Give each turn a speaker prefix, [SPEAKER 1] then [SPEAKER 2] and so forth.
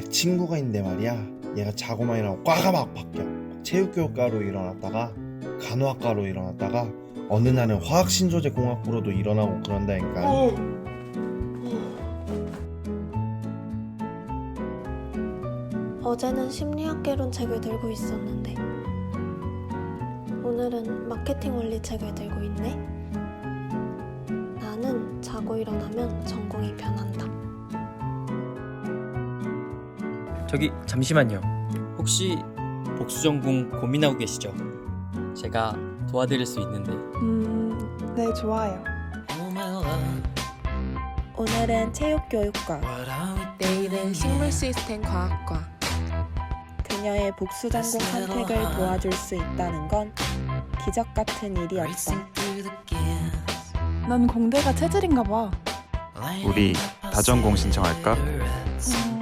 [SPEAKER 1] 친구가 있는데 말이야, 얘가 자고만 일어나고 과가 막 바뀌어. 체육교육과로 일어났다가 간호학과로 일어났다가 어느 날은 화학신소재공학부로도 일어나고 그런다니까.
[SPEAKER 2] 어제는 심리학개론 책을 들고 있었는데 오늘은 마케팅 원리 책을 들고 있네. 나는 자고 일어나면 전공이 변한다.
[SPEAKER 3] 저기 잠시만요. 혹시 복수전공 고민하고 계시죠? 제가 도와드릴 수 있는데.
[SPEAKER 4] 네, 좋아요.
[SPEAKER 5] 오늘은 체육교육과,
[SPEAKER 6] 내일은 식물시스템 과학과.
[SPEAKER 5] 그녀의 복수 전공 선택을 도와줄 수 있다는 건 기적 같은 일이었다.
[SPEAKER 4] 난 공대가 체질인가 봐.
[SPEAKER 7] 우리 다전공 신청할까?